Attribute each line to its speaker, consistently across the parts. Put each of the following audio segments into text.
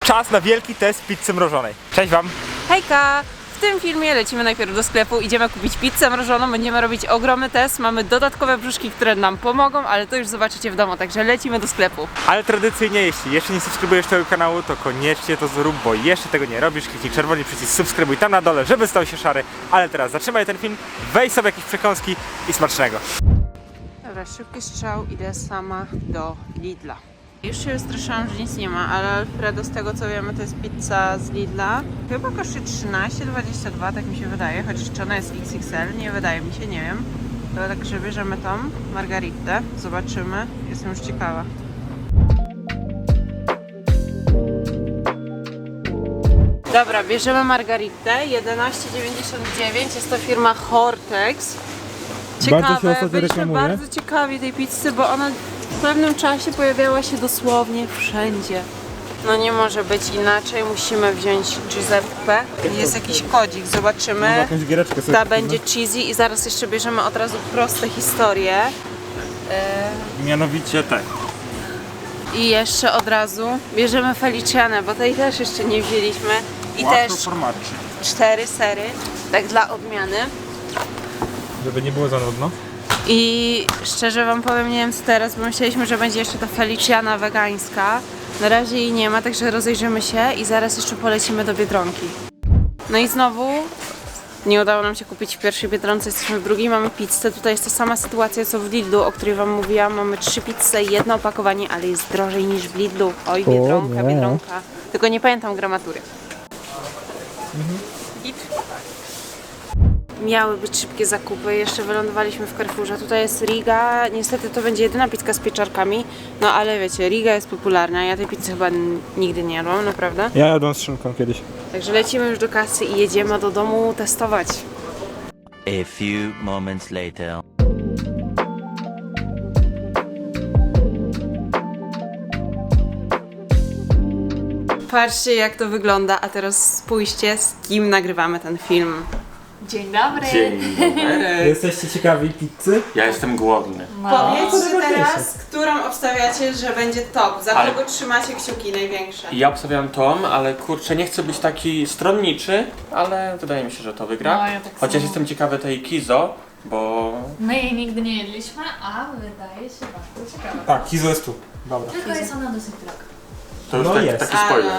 Speaker 1: czas na wielki test pizzy mrożonej. Cześć wam!
Speaker 2: Hejka! W tym filmie lecimy najpierw do sklepu, idziemy kupić pizzę mrożoną, będziemy robić ogromny test, mamy dodatkowe brzuszki, które nam pomogą, ale to już zobaczycie w domu, także lecimy do sklepu.
Speaker 1: Ale tradycyjnie, jeśli jeszcze nie subskrybujesz tego kanału, to koniecznie to zrób, bo jeszcze tego nie robisz. Kliknij czerwony przycisk subskrybuj tam na dole, żeby stał się szary. Ale teraz zatrzymaj ten film, weź sobie jakieś przekąski i smacznego.
Speaker 2: Dobra, szybki strzał, idę sama do Lidla. Już się wystraszyłam, że nic nie ma, ale Alfredo, z tego co wiemy, to jest pizza z Lidla. Chyba kosztuje 13,22, tak mi się wydaje, chociaż czy ona jest XXL, nie wydaje mi się, nie wiem. To także bierzemy tą margaritę, zobaczymy, jestem już ciekawa. Dobra, bierzemy margaritę, 11,99, jest to firma Hortex. Ciekawe, byliśmy bardzo ciekawi tej pizzy, bo ona w pewnym czasie pojawiała się dosłownie wszędzie. No nie może być inaczej, musimy wziąć Giuseppe. Jest jakiś kodzik, zobaczymy.
Speaker 1: Jakąś giereczkę sobie
Speaker 2: Ta będzie cheesy i zaraz jeszcze bierzemy od razu proste historie.
Speaker 1: Mianowicie tak.
Speaker 2: I jeszcze od razu bierzemy Felicianę, bo tej też jeszcze nie wzięliśmy. I też 4 sery, tak dla odmiany.
Speaker 1: Żeby nie było za nudno.
Speaker 2: I szczerze wam powiem, nie wiem co teraz, bo myśleliśmy, że będzie jeszcze ta Feliciana wegańska. Na razie jej nie ma, także rozejrzymy się i zaraz jeszcze polecimy do Biedronki. No i znowu nie udało nam się kupić w pierwszej Biedronce, jesteśmy w drugiej, mamy pizzę. Tutaj jest ta sama sytuacja co w Lidlu, o której wam mówiłam. Mamy 3 pizze i jedno opakowanie, ale jest drożej niż w Lidlu. Oj, Biedronka, Biedronka. Tylko nie pamiętam gramatury. Miały być szybkie zakupy, jeszcze wylądowaliśmy w Carrefourze. Tutaj jest Riga, niestety to będzie jedyna pizza z pieczarkami, no ale wiecie, Riga jest popularna, ja tej pizzy chyba nigdy nie jadłam, naprawdę.
Speaker 1: Ja jadłem z szynką kiedyś.
Speaker 2: Także lecimy już do kasy i jedziemy do domu testować.
Speaker 3: A few moments later.
Speaker 2: Patrzcie jak to wygląda, a teraz spójrzcie z kim nagrywamy ten film.
Speaker 4: Dzień dobry.
Speaker 5: Dzień dobry.
Speaker 1: Jesteście ciekawi pizzy?
Speaker 5: Ja jestem głodny.
Speaker 2: Powiedzcie teraz, którą obstawiacie, że będzie top, za
Speaker 5: Ale-
Speaker 2: kogo trzymacie kciuki największe.
Speaker 5: Ja obstawiam Tom, ale kurczę, nie chcę być taki stronniczy, ale wydaje mi się, że to wygra.
Speaker 4: No, ja tak
Speaker 5: Chociaż
Speaker 4: samo.
Speaker 5: jestem ciekawy tej Kizo, bo
Speaker 4: My jej nigdy nie jedliśmy, a wydaje się bardzo ciekawa.
Speaker 1: Tak, Kizo jest tu. Dobra.
Speaker 4: Tylko jest ona dosyć droga.
Speaker 5: to już
Speaker 1: No
Speaker 5: tak,
Speaker 1: jest.
Speaker 5: taki spoiler.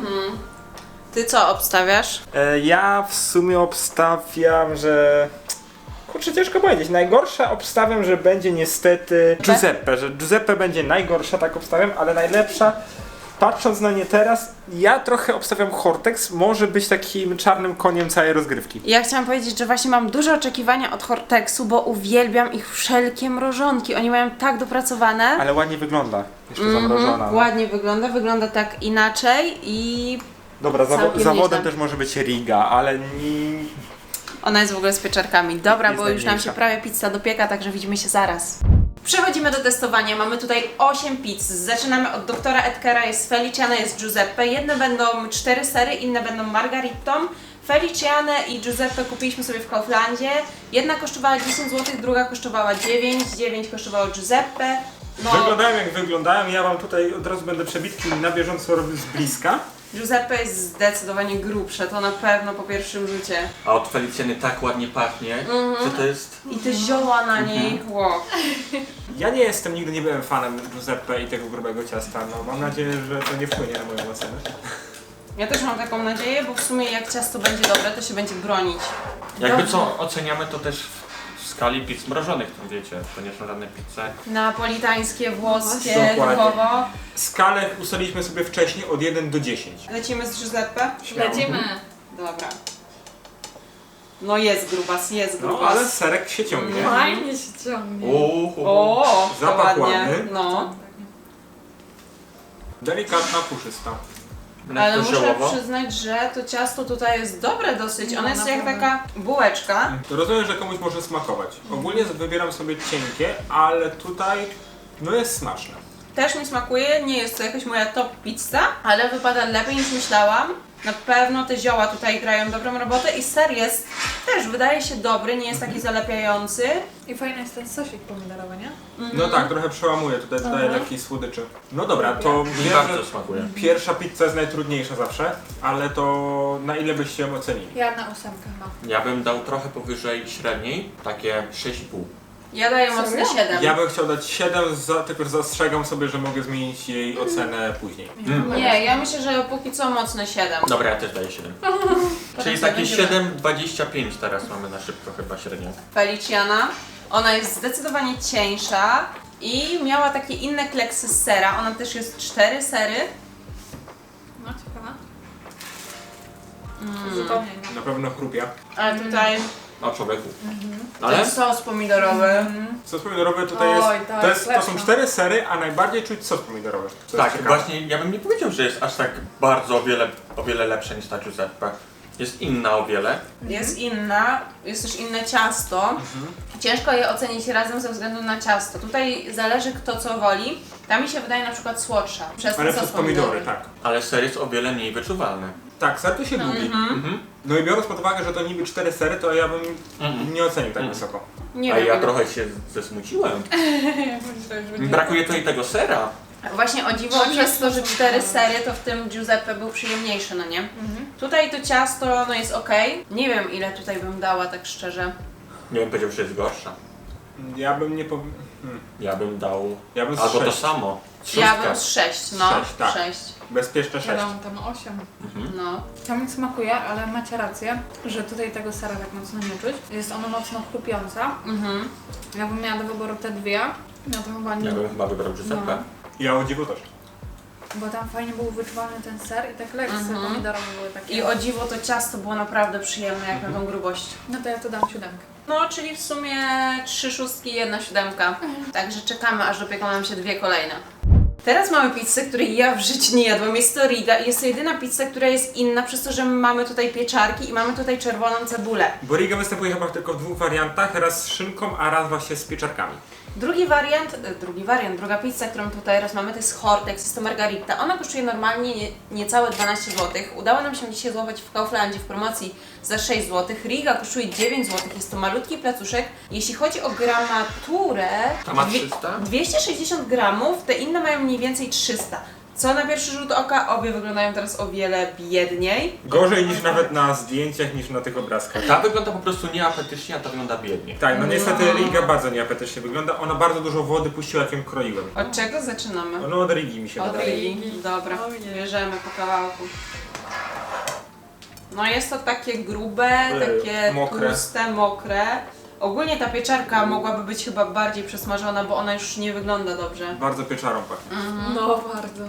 Speaker 2: Ty co obstawiasz?
Speaker 1: Ja w sumie obstawiam, że... Kurczę, ciężko powiedzieć. Najgorsza obstawiam, że będzie niestety Giuseppe, że Giuseppe będzie najgorsza, tak obstawiam, ale najlepsza, patrząc na nie teraz, ja trochę obstawiam Hortex, może być takim czarnym koniem całej rozgrywki.
Speaker 2: Ja chciałam powiedzieć, że właśnie mam duże oczekiwania od Hortexu, bo uwielbiam ich wszelkie mrożonki. Oni mają tak dopracowane.
Speaker 1: Ale ładnie wygląda, jeszcze zamrożona. No.
Speaker 2: Ładnie wygląda tak inaczej i
Speaker 1: Dobra,
Speaker 2: Całkiem
Speaker 1: zawodem
Speaker 2: nieźle.
Speaker 1: też może być Riga, ale nie...
Speaker 2: ona jest w ogóle z pieczarkami. Dobra,
Speaker 1: Jest
Speaker 2: bo już nam się
Speaker 1: najmniejsza.
Speaker 2: prawie pizza dopieka, także widzimy się zaraz. Przechodzimy do testowania. Mamy tutaj 8 pizz. Zaczynamy od doktora Edgara, jest Feliciana, jest Giuseppe. Jedne będą 4 sery, inne będą margaritą. Felicianę i Giuseppe kupiliśmy sobie w Kauflandzie. Jedna kosztowała 10 zł, druga kosztowała 9. 9 kosztowało Giuseppe. No,
Speaker 1: Wyglądają jak wyglądają, ja wam tutaj od razu będę przebitki na bieżąco robił z bliska.
Speaker 2: Giuseppe jest zdecydowanie grubsze, to na pewno po pierwszym rzucie.
Speaker 5: A od Felicjany tak ładnie pachnie, że to jest...
Speaker 2: I te zioła na niej, wow.
Speaker 1: Ja nigdy nie byłem fanem Giuseppe i tego grubego ciasta, no mam nadzieję, że to nie wpłynie na moją ocenę.
Speaker 2: Ja też mam taką nadzieję, bo w sumie jak ciasto będzie dobre, to się będzie bronić.
Speaker 5: Jakby
Speaker 2: Dobrze.
Speaker 5: co oceniamy to też w skali pizz mrożonych, to wiecie, to nie są żadne pizze.
Speaker 2: Napolitańskie, włoskie,
Speaker 1: Dokładnie.
Speaker 2: typowo.
Speaker 1: Skalę ustaliliśmy sobie wcześniej od 1 do 10.
Speaker 2: Lecimy z Giuseppe?
Speaker 4: Lecimy.
Speaker 2: Dobra. No jest grubas, jest
Speaker 1: No
Speaker 2: grubas.
Speaker 1: ale serek się ciągnie.
Speaker 4: Fajnie się ciągnie.
Speaker 2: O, to
Speaker 1: Zapach
Speaker 2: ładnie.
Speaker 1: ładny.
Speaker 2: No.
Speaker 1: Delikatna, puszysta.
Speaker 2: Ale
Speaker 5: Lekko
Speaker 2: muszę
Speaker 5: ziołowo.
Speaker 2: przyznać, że to ciasto tutaj jest dobre dosyć.
Speaker 4: No,
Speaker 2: Ono jest jak
Speaker 4: naprawdę.
Speaker 2: taka bułeczka.
Speaker 1: To rozumiem, że komuś może smakować. Ogólnie wybieram sobie cienkie, ale tutaj no jest smaczne.
Speaker 2: Też mi smakuje, nie jest to jakaś moja top pizza, ale wypada lepiej niż myślałam. Na pewno te zioła tutaj grają dobrą robotę i ser jest Też wydaje się dobry, nie jest taki zalepiający.
Speaker 4: I fajny jest ten sosik pomidorowy, nie?
Speaker 1: No tak, trochę przełamuje, tutaj dodaję lekkiej słodyczy. No dobra, to
Speaker 5: Mi
Speaker 1: wiem,
Speaker 5: bardzo
Speaker 1: że
Speaker 5: smakuje.
Speaker 1: pierwsza pizza jest najtrudniejsza zawsze, ale to na ile byście ją ocenili?
Speaker 4: Ja na 8 chyba.
Speaker 5: Ja bym dał trochę powyżej średniej, takie 6,5.
Speaker 2: Ja daję mocne
Speaker 4: Serio?
Speaker 2: 7.
Speaker 1: Ja bym chciał dać 7, tylko że zastrzegam sobie, że mogę zmienić jej ocenę później.
Speaker 2: Nie, ja myślę, że póki co mocne 7.
Speaker 5: Dobra, ja też daję 7. Czyli
Speaker 2: sobie
Speaker 5: takie
Speaker 2: będziemy.
Speaker 5: 7,25 teraz mamy na szybko chyba średnio.
Speaker 2: Feliciana. Ona jest zdecydowanie cieńsza i miała takie inne kleksy z sera. Ona też jest 4 sery.
Speaker 4: No ciekawa. Zupełnie nie.
Speaker 1: Na pewno chrupia.
Speaker 2: Ale tutaj
Speaker 5: O człowieku.
Speaker 2: ten
Speaker 5: Ale?
Speaker 2: sos pomidorowy.
Speaker 1: Sos pomidorowy tutaj
Speaker 4: Oj,
Speaker 1: jest,
Speaker 4: to jest
Speaker 1: to są
Speaker 4: lepsze.
Speaker 1: 4 sery, a najbardziej czuć sos pomidorowy. Co
Speaker 5: Tak,
Speaker 1: jest ciekawe.
Speaker 5: właśnie ja bym nie powiedział, że jest aż tak bardzo o wiele lepsza niż ta Giuseppe. Jest inna o wiele.
Speaker 2: Jest inna, jest też inne ciasto. Ciężko je ocenić razem ze względu na ciasto. Tutaj zależy kto co woli. Ta mi się wydaje na przykład słodsza. Przez ten
Speaker 1: Ale
Speaker 2: sos
Speaker 1: przez pomidory, tak.
Speaker 5: Ale ser jest o wiele mniej wyczuwalny.
Speaker 1: Tak, ser to się lubi. No i biorąc pod uwagę, że to niby 4 sery, to ja bym nie ocenił tak wysoko.
Speaker 2: Nie
Speaker 5: A
Speaker 2: wiem.
Speaker 5: ja
Speaker 2: ile-
Speaker 5: trochę się zesmuciłem. Brakuje tutaj tego sera.
Speaker 2: Właśnie o dziwo przez to, że 4 sery, to w tym Giuseppe był przyjemniejszy, no nie? Tutaj to ciasto no jest ok. Nie wiem ile tutaj bym dała tak szczerze.
Speaker 5: Nie bym powiedział, że jest gorsza.
Speaker 1: Ja bym nie powiedział...
Speaker 5: Ja bym dał
Speaker 1: Ja bym z
Speaker 5: albo to
Speaker 1: 6.
Speaker 5: samo.
Speaker 2: Ja
Speaker 5: Szóstkę.
Speaker 2: bym z 6, no.
Speaker 1: Sześć, tak.
Speaker 2: 6.
Speaker 1: Bezpieczne 6.
Speaker 4: Ja dam tam 8.
Speaker 2: No.
Speaker 4: To mi smakuje, ale macie rację, że tutaj tego sera tak mocno nie czuć. Jest ona mocno chrupiąca. Ja bym miała do wyboru te dwie. No to chyba nie.
Speaker 5: Ja bym chyba wybrał Giuseppe.
Speaker 1: Ja o dziwo też.
Speaker 4: Bo tam fajnie był wyczuwalny ten ser i te kleksy pomidorowe były takie.
Speaker 2: I o dziwo to ciasto było naprawdę przyjemne jak na tą grubość.
Speaker 4: No to ja to dam 7.
Speaker 2: No, czyli w sumie 3 szóstki, 1 siódemka. Także czekamy, aż dopieką nam się 2 kolejne. Teraz mamy pizzę, której ja w życiu nie jadłam. Jest to Riga i jest to jedyna pizza, która jest inna, przez to, że mamy tutaj pieczarki i mamy tutaj czerwoną cebulę.
Speaker 1: Bo Riga występuje chyba tylko w 2 wariantach, raz z szynką, a raz właśnie z pieczarkami.
Speaker 2: Druga pizza, którą tutaj teraz mamy, to jest Hortex, jest to margarita. Ona kosztuje normalnie niecałe 12 zł. Udało nam się dzisiaj złapać w Kauflandzie w promocji za 6 zł. Riga kosztuje 9 zł, jest to malutki placuszek. Jeśli chodzi o gramaturę,
Speaker 5: Ta ma 300?
Speaker 2: 260 gramów, te inne mają mniej więcej 300. Co na pierwszy rzut oka, obie wyglądają teraz o wiele biedniej.
Speaker 1: Gorzej niż nawet na zdjęciach, niż na tych obrazkach.
Speaker 5: Ta wygląda po prostu nieapetycznie, a ta wygląda biednie.
Speaker 1: Tak, no niestety Riga bardzo nieapetycznie wygląda. Ona bardzo dużo wody puściła, jak ją kroiłem.
Speaker 2: Od czego zaczynamy?
Speaker 1: No od Rigi mi się
Speaker 2: Od
Speaker 1: wydaje.
Speaker 2: Rigi. Dobra, bierzemy po kawałku. No jest to takie grube, takie
Speaker 1: mokre.
Speaker 2: tłuste, mokre. Ogólnie ta pieczarka mogłaby być chyba bardziej przesmażona, bo ona już nie wygląda dobrze.
Speaker 1: Bardzo pieczarą pachnie.
Speaker 4: No bardzo.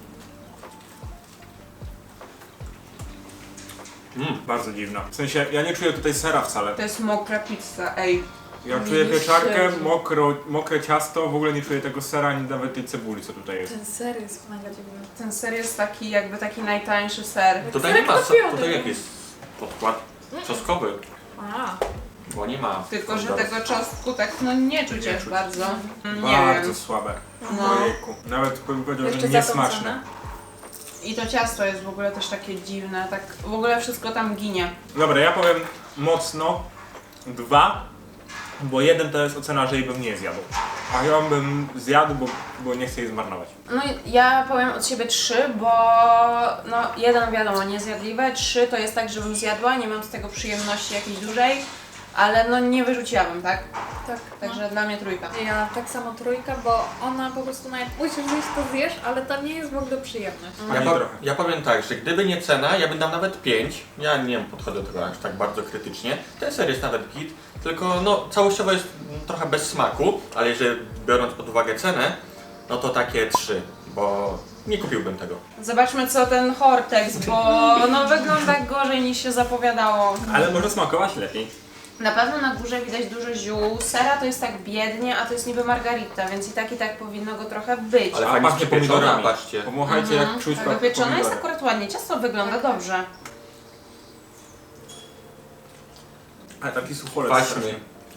Speaker 1: Bardzo dziwna. W sensie, ja nie czuję tutaj sera wcale.
Speaker 2: To jest mokra pizza, ej.
Speaker 1: Ja czuję
Speaker 4: Widzisz,
Speaker 1: pieczarkę,
Speaker 4: Jezu.
Speaker 1: mokre ciasto, w ogóle nie czuję tego sera, ani nawet tej cebuli, co tutaj jest.
Speaker 4: Ten ser jest mega dziwny.
Speaker 2: Ten ser jest taki jakby taki najtańszy ser.
Speaker 5: Tutaj nie ma,
Speaker 4: kupiłam
Speaker 5: tutaj
Speaker 4: tego.
Speaker 5: jak jest podkład czosnkowy,
Speaker 4: A,
Speaker 5: bo nie ma.
Speaker 2: Tylko, że
Speaker 5: pomidorów.
Speaker 2: tego czosnku tak no nie czuć
Speaker 1: Nie
Speaker 2: aż
Speaker 1: czuć.
Speaker 2: bardzo. Nie
Speaker 1: Bardzo
Speaker 2: wiem.
Speaker 1: słabe.
Speaker 2: No.
Speaker 1: Ojejku. Nawet bym powiedział,
Speaker 4: jeszcze
Speaker 1: że
Speaker 4: za tą
Speaker 1: niesmaczne.
Speaker 4: cenę?
Speaker 2: I to ciasto jest w ogóle też takie dziwne, tak w ogóle wszystko tam ginie.
Speaker 1: Dobra, ja powiem mocno 2, bo 1 to jest ocena, że jej bym nie zjadł. A ją bym zjadł, bo nie chcę jej zmarnować.
Speaker 2: No i ja powiem od siebie 3, bo no 1 wiadomo niezjadliwe, 3 to jest tak, żebym zjadła, nie mam z tego przyjemności jakiejś dużej, ale no nie wyrzuciłabym, tak?
Speaker 4: tak.
Speaker 2: Także dla mnie 3.
Speaker 4: Ja tak samo 3, bo ona po prostu nawet musisz zjeść, to zjesz, ale to nie jest w ogóle przyjemność.
Speaker 1: Ani
Speaker 5: Ja,
Speaker 1: trochę.
Speaker 5: ja powiem tak, że gdyby nie cena, ja bym dał nawet 5. Ja nie podchodzę do tego aż tak bardzo krytycznie. Ten ser jest nawet git, tylko no całościowo jest trochę bez smaku, ale jeżeli biorąc pod uwagę cenę, no to takie 3, bo nie kupiłbym tego.
Speaker 2: Zobaczmy co ten Hortex, bo no wygląda gorzej niż się zapowiadało.
Speaker 1: Ale może smakować lepiej.
Speaker 2: Na pewno na górze widać dużo ziół, sera to jest tak biednie, a to jest niby margarita, więc i tak powinno go trochę być.
Speaker 5: Ale
Speaker 1: A
Speaker 5: fajnie
Speaker 1: pachnie
Speaker 5: przypieczona,
Speaker 1: pomidorami.
Speaker 5: patrzcie.
Speaker 1: Pomachajcie jak czuć
Speaker 2: Tak wypieczone jest
Speaker 1: pomidory.
Speaker 2: akurat ładnie, ciasto wygląda dobrze.
Speaker 1: Ale taki sucholec
Speaker 5: Kwaśny.
Speaker 1: strasznie.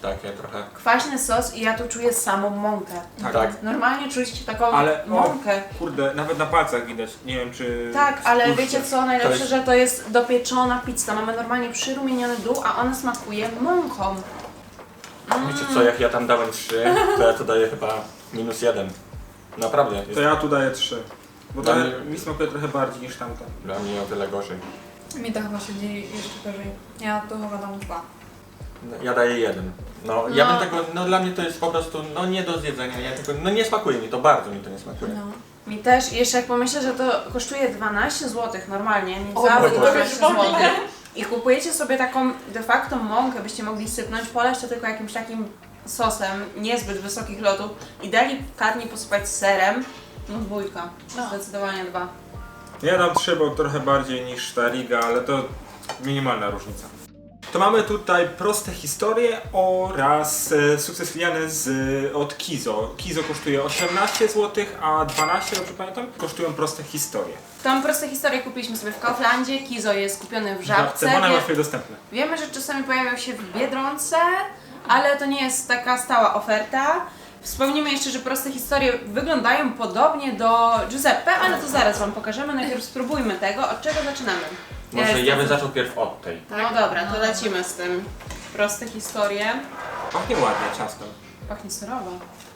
Speaker 5: takie trochę.
Speaker 2: Kwaśny sos i ja tu czuję samą mąkę.
Speaker 5: Tak.
Speaker 2: Normalnie czuć taką
Speaker 1: Ale
Speaker 2: mąkę.
Speaker 1: kurde, nawet na palcach widać. Nie wiem czy...
Speaker 2: Tak, ale
Speaker 1: spójrzcie.
Speaker 2: wiecie co? Najlepsze,
Speaker 5: To jest-
Speaker 2: że to jest dopieczona pizza. Mamy normalnie przyrumieniony dół, a ona smakuje mąką.
Speaker 5: Wiecie co, jak ja tam dałem 3, to ja tu daję chyba -1. Naprawdę, jest
Speaker 1: To ja tu daję 3. Bo
Speaker 5: Dla
Speaker 1: to
Speaker 5: mnie-
Speaker 1: mi smakuje trochę bardziej niż tamto.
Speaker 5: dla mnie o wiele gorzej.
Speaker 4: Mi to chyba siedzi jeszcze gorzej. Ja tu chyba dam 2.
Speaker 5: Ja daję 1. No, ja bym tego, no dla mnie to jest po prostu, no nie do zjedzenia, ja tego, no nie smakuje mi to, bardzo mi to nie smakuje.
Speaker 4: No.
Speaker 2: Mi też, jeszcze jak pomyślę, że to kosztuje 12 zł normalnie, nie
Speaker 4: O,
Speaker 2: całe
Speaker 5: Boże.
Speaker 2: 12 zł. I kupujecie sobie taką de facto mąkę, byście mogli sypnąć, poleć to tylko jakimś takim sosem niezbyt wysokich lotów i delikatnie posypać serem. No 2.
Speaker 4: No.
Speaker 2: Zdecydowanie 2.
Speaker 1: Ja dam 3, bo trochę bardziej niż ta Riga, ale to minimalna różnica. To mamy tutaj proste historie oraz sukces filialny od Kizo. Kizo kosztuje 18 zł, a 12, dobrze pamiętam, kosztują proste historie.
Speaker 2: Tą proste historie kupiliśmy sobie w Kauflandzie, Kizo jest kupiony w Żabce.
Speaker 1: Bo najłatwiej dostępne.
Speaker 2: Wiemy, że czasami pojawiał się w Biedronce, ale to nie jest taka stała oferta. Wspomnimy jeszcze, że proste historie wyglądają podobnie do Giuseppe, ale to zaraz Wam pokażemy. Najpierw spróbujmy tego. Od czego zaczynamy?
Speaker 5: Może ja bym zaczął pierw od tej.
Speaker 2: No dobra, to lecimy z tym. Proste historie.
Speaker 1: Pachnie ładnie ciastem.
Speaker 2: Pachnie serowo.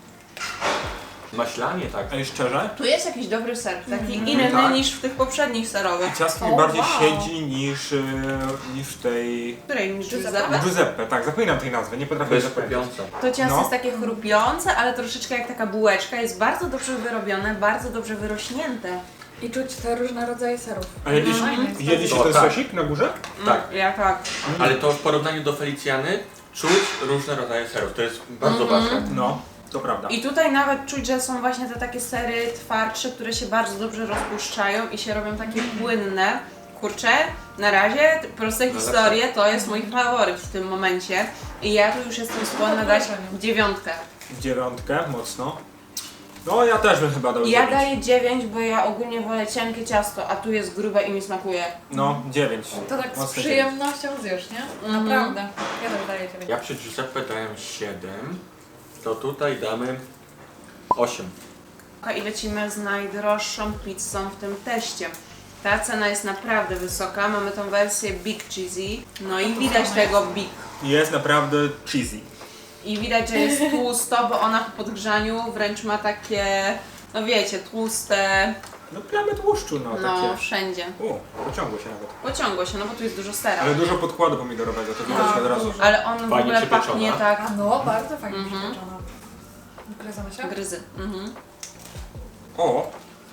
Speaker 5: Maślanie tak.
Speaker 1: A i szczerze,
Speaker 2: Tu jest jakiś dobry ser, taki inny
Speaker 1: Tak.
Speaker 2: niż w tych poprzednich serowych.
Speaker 1: ciasto mi
Speaker 4: O,
Speaker 1: bardziej
Speaker 4: wow.
Speaker 1: siedzi niż w tej...
Speaker 2: Której niż
Speaker 4: Giuseppe?
Speaker 2: Giuseppe?
Speaker 1: Giuseppe, tak, zapominam tej nazwy, nie potrafię jej
Speaker 5: Bez
Speaker 1: zapamiętać.
Speaker 5: kupiące.
Speaker 2: To ciasto
Speaker 1: No.
Speaker 2: jest takie chrupiące, ale troszeczkę jak taka bułeczka. Jest bardzo dobrze wyrobione, bardzo dobrze wyrośnięte.
Speaker 4: I czuć te różne rodzaje serów.
Speaker 1: A jedliście,
Speaker 4: Fajne jest to.
Speaker 1: jedliście
Speaker 5: O,
Speaker 1: ten
Speaker 5: tak.
Speaker 1: sosik na górze?
Speaker 5: Tak.
Speaker 2: Ja tak.
Speaker 5: Ale to w porównaniu do Felicjany czuć różne rodzaje serów. To jest bardzo ważne.
Speaker 1: No, to prawda.
Speaker 2: I tutaj nawet czuć, że są właśnie te takie sery twardsze, które się bardzo dobrze rozpuszczają i się robią takie płynne. Kurczę, na razie proste historie to jest mój faworyt w tym momencie. I ja tu już jestem skłonna dać 9.
Speaker 1: 9, mocno. No ja też bym chyba dał
Speaker 2: Ja
Speaker 1: 9.
Speaker 2: daję 9, bo ja ogólnie wolę cienkie ciasto, a tu jest grube i mi smakuje.
Speaker 1: No, 9.
Speaker 4: To tak z
Speaker 1: Mocno
Speaker 4: przyjemnością zjesz, nie? Naprawdę. Ja też daję 9.
Speaker 5: Ja przy Giuseppe dałem 7, to tutaj damy 8.
Speaker 2: I lecimy z najdroższą pizzą w tym teście. Ta cena jest naprawdę wysoka, mamy tą wersję Big Cheesy, no i widać tego Big.
Speaker 1: Jest naprawdę cheesy.
Speaker 2: I widać, że jest tłusto, bo ona po podgrzaniu wręcz ma takie, no wiecie, tłuste,
Speaker 1: No plamy tłuszczu, no,
Speaker 2: no
Speaker 1: takie.
Speaker 2: wszędzie.
Speaker 1: Pociągło się nawet.
Speaker 2: Pociągło się, no bo tu jest dużo sera.
Speaker 1: Ale dużo podkładu pomidorowego, to widać od razu.
Speaker 2: Ale on w
Speaker 5: Fajnie
Speaker 2: ogóle
Speaker 5: przypieczona.
Speaker 2: pachnie tak
Speaker 4: A no, bardzo fajnie przypieczona. Gryzamy się?
Speaker 2: gryzy. Mhm.
Speaker 1: O!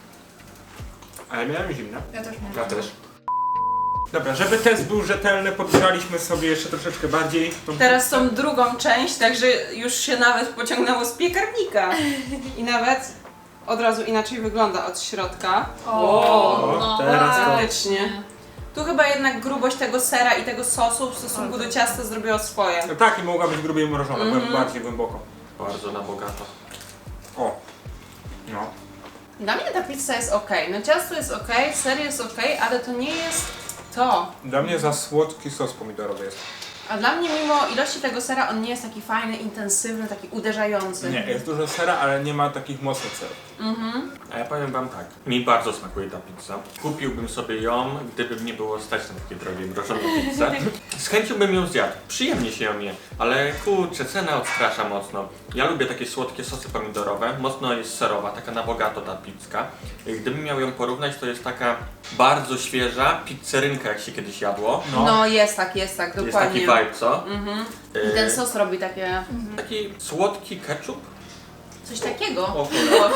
Speaker 1: Ale miałem zimne.
Speaker 4: Ja też mam.
Speaker 5: Ja też.
Speaker 1: Dobra, żeby test był rzetelny, podgrzaliśmy sobie jeszcze troszeczkę bardziej. tą
Speaker 2: Teraz tą drugą część, także już się nawet pociągnęło z piekarnika. I nawet od razu inaczej wygląda od środka.
Speaker 1: O,
Speaker 4: no,
Speaker 1: teraz to-
Speaker 2: Faktycznie. Tu chyba jednak grubość tego sera i tego sosu w stosunku do ciasta zrobiło swoje.
Speaker 1: No tak, i mogła być grubiej mrożona, byłem bardziej głęboko.
Speaker 5: Bardzo na bogato.
Speaker 1: O! No.
Speaker 2: Dla mnie ta pizza jest ok. No ciasto jest ok, ser jest ok, ale to nie jest to.
Speaker 1: Dla mnie za słodki sos pomidorowy jest.
Speaker 2: A dla mnie mimo ilości tego sera on nie jest taki fajny, intensywny, taki uderzający.
Speaker 1: Nie, jest dużo sera, ale nie ma takich mocnych serów.
Speaker 5: A ja powiem wam tak, mi bardzo smakuje ta pizza. Kupiłbym sobie ją, gdyby nie było stać na takie drogie mrożone pizzę. Z chęcią bym ją zjadł, przyjemnie się ją je, ale kurczę, cena odstrasza mocno. Ja lubię takie słodkie sosy pomidorowe, mocno jest serowa, taka na bogato ta pizzka. Gdybym miał ją porównać, to jest taka bardzo świeża pizzerynka, jak się kiedyś jadło.
Speaker 2: No jest tak,
Speaker 5: Jest taki
Speaker 2: dokładnie.
Speaker 5: vibe, co?
Speaker 2: I ten sos robi takie
Speaker 5: Taki słodki ketchup.
Speaker 2: coś takiego.
Speaker 5: O kurde.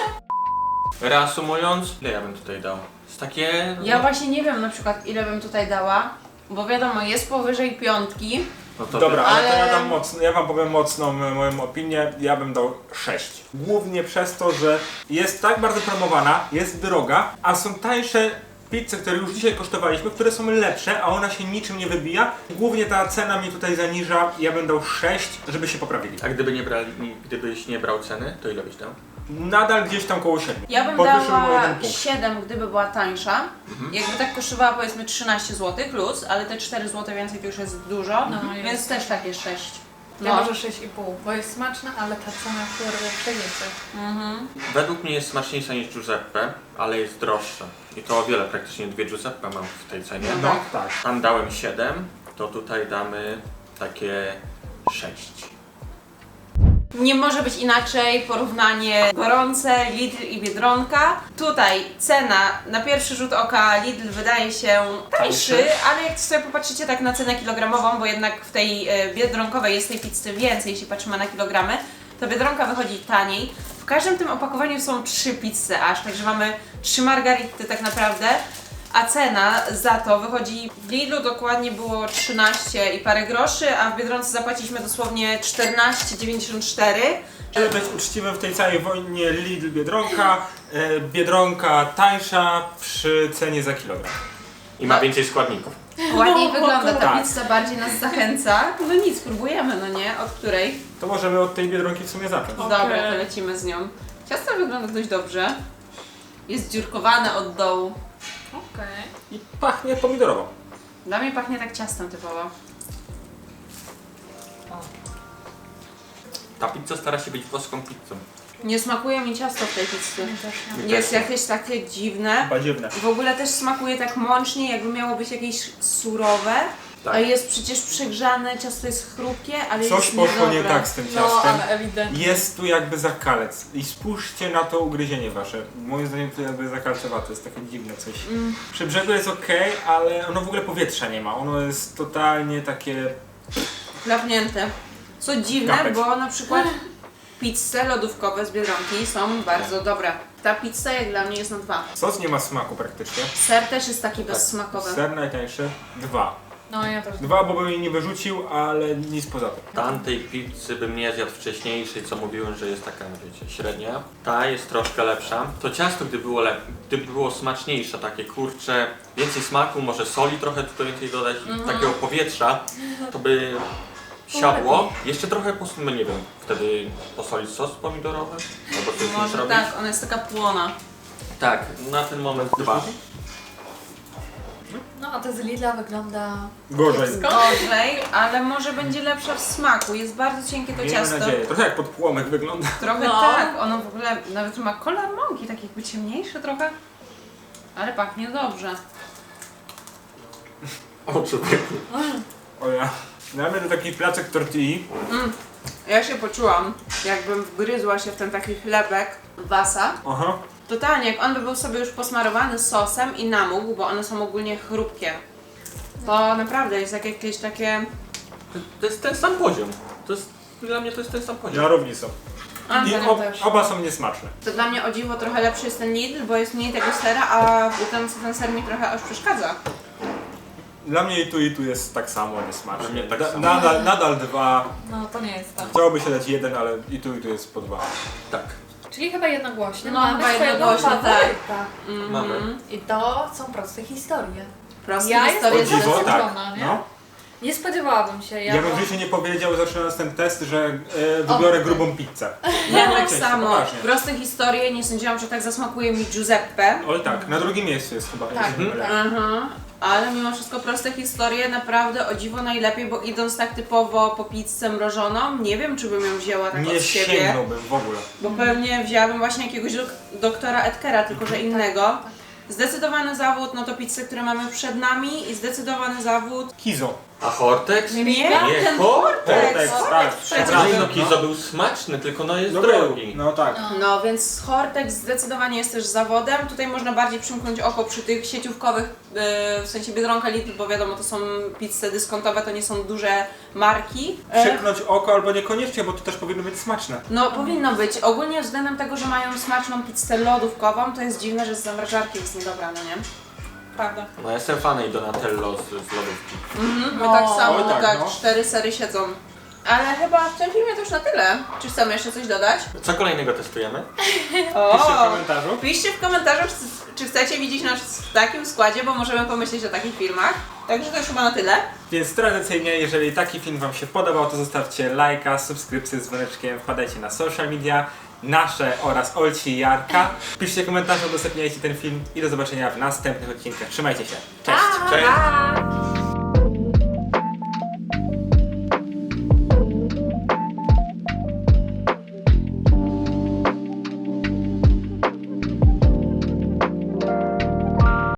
Speaker 5: Reasumując, ile ja bym tutaj dał? Jest takie...
Speaker 2: Ja właśnie nie wiem na przykład ile bym tutaj dała, bo wiadomo jest powyżej 5.
Speaker 5: No to
Speaker 1: Dobra, ale to
Speaker 2: Ale-
Speaker 1: ja dam mocno, ja wam powiem mocną moją opinię, ja bym dał 6. Głównie przez to, że jest tak bardzo promowana, jest droga, a są tańsze pizze, które już dzisiaj kosztowaliśmy, które są lepsze, a ona się niczym nie wybija. Głównie ta cena mnie tutaj zaniża, ja bym dał 6, żeby się poprawili.
Speaker 5: A gdybyś nie brał ceny, to ile byś dał?
Speaker 1: Nadal gdzieś tam koło 7.
Speaker 2: Ja bym
Speaker 1: Podwyższyłbym o
Speaker 2: dała
Speaker 1: 1 punkt.
Speaker 2: 7, gdyby była tańsza. Jakby tak kosztowała powiedzmy 13 zł plus, ale te 4 zł więcej to już jest dużo,
Speaker 4: No, jest.
Speaker 2: więc też takie 6.
Speaker 4: Ja
Speaker 2: No.
Speaker 4: może 6,5, bo jest smaczna, ale ta cena kurde przegięcie.
Speaker 5: Według mnie jest smaczniejsza niż Giuseppe, ale jest droższa. I to o wiele, praktycznie 2 Giuseppe mam w tej cenie.
Speaker 1: No tak.
Speaker 5: Tam dałem 7, to tutaj damy takie 6.
Speaker 2: Nie może być inaczej, porównanie gorące, Lidl i Biedronka. Tutaj cena na pierwszy rzut oka Lidl wydaje się tańszy, ale jak sobie popatrzycie tak na cenę kilogramową, bo jednak w tej biedronkowej jest tej pizzy więcej, jeśli patrzymy na kilogramy, to Biedronka wychodzi taniej. W każdym tym opakowaniu są 3 pizze aż, także mamy 3 margarity tak naprawdę. A cena za to wychodzi w Lidlu dokładnie było 13 i parę groszy, a w Biedronce zapłaciliśmy dosłownie 14,94.
Speaker 1: Żeby być uczciwym w tej całej wojnie Lidl-Biedronka, Biedronka tańsza przy cenie za kilogram.
Speaker 5: I ma więcej składników.
Speaker 2: Ładniej wygląda ta
Speaker 1: Tak.
Speaker 2: pizza, bardziej nas zachęca. No nic, spróbujemy, no nie? Od której?
Speaker 1: To możemy od tej Biedronki w sumie zacząć.
Speaker 2: Dobra, to lecimy z nią. Ciasto wygląda dość dobrze. Jest dziurkowane od dołu.
Speaker 4: Okej.
Speaker 1: I pachnie pomidorowo.
Speaker 2: Dla mnie pachnie tak ciastem typowo.
Speaker 5: Ta pizza stara się być włoską pizzą.
Speaker 2: Nie smakuje mi ciasto w tej pizzy.
Speaker 4: Też nie.
Speaker 2: Jest jakieś takie dziwne.
Speaker 1: Chyba dziwne.
Speaker 2: W ogóle też smakuje tak mącznie, jakby miało być jakieś surowe.
Speaker 5: Tak.
Speaker 2: A jest przecież przegrzane, ciasto jest chrupkie, ale
Speaker 1: Coś
Speaker 2: jest
Speaker 1: poszło nie
Speaker 2: niedobre.
Speaker 1: tak z tym
Speaker 4: No,
Speaker 1: ciastem.
Speaker 4: ale ewidentnie.
Speaker 1: Jest tu jakby zakalec. I spójrzcie na to ugryzienie wasze. Moim zdaniem to jakby zakalcowate, jest takie dziwne coś. Przy brzegu jest ok, ale ono w ogóle powietrza nie ma. Ono jest totalnie takie...
Speaker 2: Klapnięte. Co dziwne,
Speaker 1: Kapeć.
Speaker 2: bo na przykład pizze lodówkowe z Biedronki są bardzo dobre. Ta pizza jak dla mnie jest na 2.
Speaker 1: Sos nie ma smaku praktycznie.
Speaker 2: Ser też jest taki bezsmakowy.
Speaker 1: Ser najtańszy 2.
Speaker 4: No ja też.
Speaker 1: 2, bo bym jej nie wyrzucił, ale nic poza tym.
Speaker 5: Tamtej pizzy bym nie zjadł wcześniejszej, co mówiłem, że jest taka, wiecie, średnia. Ta jest troszkę lepsza. To ciasto, gdyby było smaczniejsze, takie kurcze, więcej smaku, może soli trochę tutaj więcej dodać, takiego powietrza, to by siadło. Jeszcze trochę, no nie wiem, wtedy posolić sos pomidorowy, albo coś
Speaker 2: Może
Speaker 5: zrobić.
Speaker 2: tak, ona jest taka płona.
Speaker 5: Tak, na ten moment 2.
Speaker 4: No a to z Lidla wygląda...
Speaker 1: Gorzej.
Speaker 2: Gorzej, ale może będzie lepsza w smaku. Jest bardzo cienkie to
Speaker 1: Miejmy
Speaker 2: ciasto.
Speaker 1: nadzieję. Trochę jak podpłomek wygląda.
Speaker 2: Trochę
Speaker 4: No.
Speaker 2: tak, ono w ogóle nawet ma kolor mąki, tak jakby ciemniejszy trochę. Ale pachnie dobrze.
Speaker 5: O człowieku.
Speaker 1: O ja. Dla mnie to taki placek tortilli.
Speaker 2: Ja się poczułam, jakbym wgryzła się w ten taki chlebek wasa.
Speaker 1: Aha.
Speaker 2: Totalnie, jak on by był sobie już posmarowany sosem i namógł, bo one są ogólnie chrupkie. To naprawdę jest jak jakieś takie...
Speaker 5: To jest ten sam poziom. Dla mnie to jest ten sam poziom.
Speaker 1: Na równi są. I
Speaker 4: ja też.
Speaker 1: oba są niesmaczne.
Speaker 2: To dla mnie o dziwo trochę lepszy jest ten Lidl, bo jest mniej tego sera, a ten ser mi trochę aż przeszkadza.
Speaker 1: Dla mnie i tu jest tak samo niesmaczne.
Speaker 5: Dla mnie tak samo.
Speaker 1: Nadal 2.
Speaker 4: No to nie jest tak.
Speaker 1: Chciałoby się dać 1, ale i tu jest po 2.
Speaker 5: Tak,
Speaker 4: Czyli chyba jednogłośnie.
Speaker 2: No,
Speaker 4: Mamy
Speaker 2: chyba
Speaker 4: swojego
Speaker 2: jednogłośnie, tak.
Speaker 4: faworyta.
Speaker 5: mamy.
Speaker 4: I to są proste historie.
Speaker 2: Proste
Speaker 4: Ja
Speaker 2: historie
Speaker 4: jestem
Speaker 1: O dziwo, tak.
Speaker 4: zaskoczona, nie?
Speaker 1: No.
Speaker 4: Nie spodziewałabym się.
Speaker 1: Ja bym w życiu nie powiedział, zaczynając ten test, że wybiorę grubą pizzę.
Speaker 2: Ja tak
Speaker 1: Cześć,
Speaker 2: samo.
Speaker 1: poważnie.
Speaker 2: Proste historie, nie sądziłam, że tak zasmakuje mi Giuseppe.
Speaker 1: Oj tak, na drugim miejscu jest chyba.
Speaker 4: Tak,
Speaker 1: jeśli nie mylę.
Speaker 2: Aha. Ale mimo wszystko proste historie naprawdę o dziwo najlepiej, bo idąc tak typowo po pizzę mrożoną, nie wiem czy bym ją wzięła tak
Speaker 1: Nie
Speaker 2: od siebie.
Speaker 1: sięgnąłbym w ogóle.
Speaker 2: Bo pewnie wzięłabym właśnie jakiegoś doktora Edkera, tylko że innego. Zdecydowany zawód, no to pizze, które mamy przed nami i zdecydowany zawód...
Speaker 1: Kizo.
Speaker 5: A Hortex?
Speaker 2: Nie,
Speaker 5: Nie,
Speaker 2: ten
Speaker 5: Hortex.
Speaker 2: Hortex,
Speaker 1: tak.
Speaker 2: przecież.
Speaker 5: Znaczy, no Kizo był smaczny, tylko no jest drogi.
Speaker 1: No tak.
Speaker 2: No więc Hortex zdecydowanie jest też zawodem. Tutaj można bardziej przymknąć oko przy tych sieciówkowych, w sensie Biedronka, Lidl, bo wiadomo to są pizze dyskontowe, to nie są duże marki.
Speaker 1: Przyknąć oko albo niekoniecznie, bo to też powinno być smaczne.
Speaker 2: No powinno być. Ogólnie względem tego, że mają smaczną pizzę lodówkową, to jest dziwne, że z zamrażarki jest niedobra, no nie?
Speaker 4: Prawda.
Speaker 5: No jestem fanem Donatello z lodówki.
Speaker 2: My
Speaker 4: No.
Speaker 2: tak samo,
Speaker 1: Oj, tak,
Speaker 2: tak,
Speaker 1: no.
Speaker 2: 4 sery siedzą. Ale chyba w tym filmie to już na tyle. Czy chcemy jeszcze coś dodać?
Speaker 5: Co kolejnego testujemy?
Speaker 1: Piszcie w komentarzu.
Speaker 2: Piszcie w komentarzu, czy chcecie widzieć nas w takim składzie, bo możemy pomyśleć o takich filmach. Także to już chyba na tyle.
Speaker 1: Więc tradycyjnie, jeżeli taki film wam się podobał, to zostawcie lajka, subskrypcję z dzwoneczkiem, wpadajcie na social media, nasze oraz Olci i Jarka. Piszcie komentarze, udostępniajcie ten film i do zobaczenia w następnych odcinkach. Trzymajcie się. Cześć!
Speaker 5: Cześć!
Speaker 2: Pa!